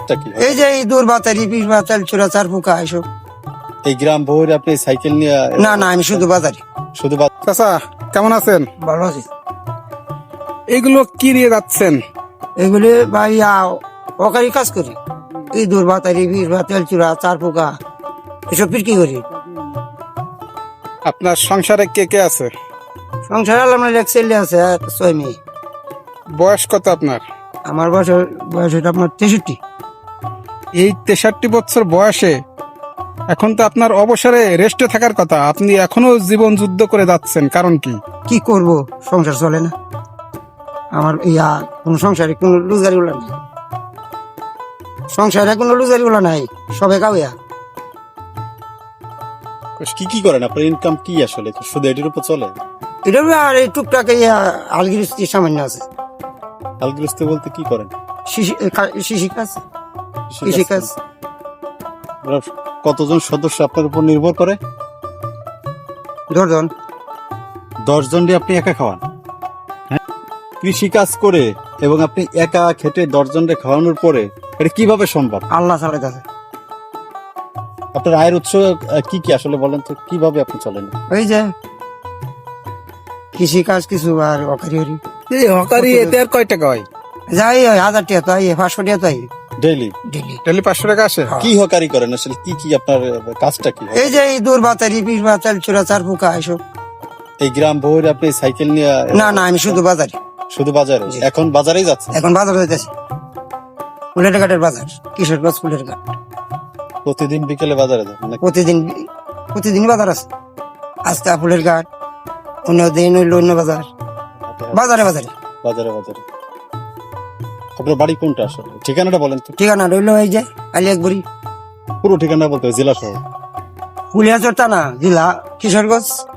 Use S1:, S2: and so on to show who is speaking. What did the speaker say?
S1: কাজটা কি?
S2: এই যে এই দূর বাতারি পিস বাতাল চোরা চার পোকা এসব।
S1: এই গ্রাম ভরে আপনি সাইকেল নিয়ে?
S2: না না, আমি শুধু বাজারি।
S1: শুধু
S3: চাচা কেমন আছেন?
S2: ভালো আছি।
S3: এগুলো কি নিয়ে যাচ্ছেন?
S2: এগুলি ভাই অকারি কাজ করি। এই দূর বাতারি পিস বাতাল চোরা চার পোকা এসব বিক্রি করি।
S3: আপনার সংসারে কে কে আছে?
S2: সংসার আলাম এক ছেলে আছে আর 6 মেয়ে।
S3: বয়স কত আপনার?
S2: আমার বয়স হচ্ছে আপনার 63।
S3: এই 63 বছর বয়সে এখন তো আপনার অবসরে রেস্টে থাকার কথা, আপনি এখনো জীবন যুদ্ধ করে যাচ্ছেন, কারণ কি?
S2: কি করব, সংসার চলে না আমার। কোন সংসারে কোন রোজগারি গুলা নাই, সংসারে কোনো রোজগারি গুলা নাই, সবে কাউয়া।
S1: কি কি করেন? আপনার ইনকাম কি আসলে? শুধু এটির উপর চলে?
S2: এটা আর এই টুকটাক আলগিরিস্তি সামান্য আছে।
S1: হালগৃহস্থ বলতে কি করেন?
S2: কৃষি কাজ, কৃষি কাজ।
S1: আপনার কতজন সদস্য আপনার উপর নির্ভর করে?
S2: 10 জন।
S1: 10 জন দিয়ে আপনি একা খাওয়ান? হ্যাঁ, কৃষি কাজ করে এবং আপনি একা খেটে 10 জনকে খাওয়ানোর পরে এটা কিভাবে সম্ভব?
S2: আল্লাহ চালাইতেছে।
S1: আপনার আয়ের উৎস কি কি আসলে বলেন তো, কিভাবে আপনি চলেন?
S2: ওই যে কৃষি কাজ কিছু আর অকারি হরি
S3: এই হকারি এতে আর কয় টাকা হয়?
S2: যাই 1000 টাকা তো আই, 500 টাকা তো আই
S1: ডেইলি?
S2: ডেলি।
S3: ডেলি 500 টাকা আসে?
S1: কি হকারি করেন আসলে? কি কি আপনার কাজটা কি?
S2: এই যে এই দূর বাতারি পিস বাতাল চোরা চার পোকা এসব।
S1: এই গ্রাম ভরে আপনি সাইকেল নিয়ে?
S2: না না, আমি শুধু বাজারি।
S1: শুধু বাজারে? এখন বাজারেই যাচ্ছে?
S2: এখন বাজার হইতেছে, ফুলের ঘাটের বাজার, কিশোরগঞ্জ ফুলের ঘাট।
S1: প্রতিদিন বিকেলে বাজারে যান নাকি?
S2: প্রতিদিন বাজার আছে। আজকে ফুলের ঘাট, অন্য দিন হইলো অন্য বাজার, বাজারে বাজারে।
S1: বাজারে বাজারে। আপনার বাড়ি কোনটা আসলে? ঠিকানাটা বলেন তো।
S2: ঠিকানা রইলো এই যে আলিয়াকবুড়ি।
S1: পুরো ঠিকানা বলতে হবে, জেলা শহর?
S2: ফুলিয়াচর থানা, জেলা কিশোরগঞ্জ।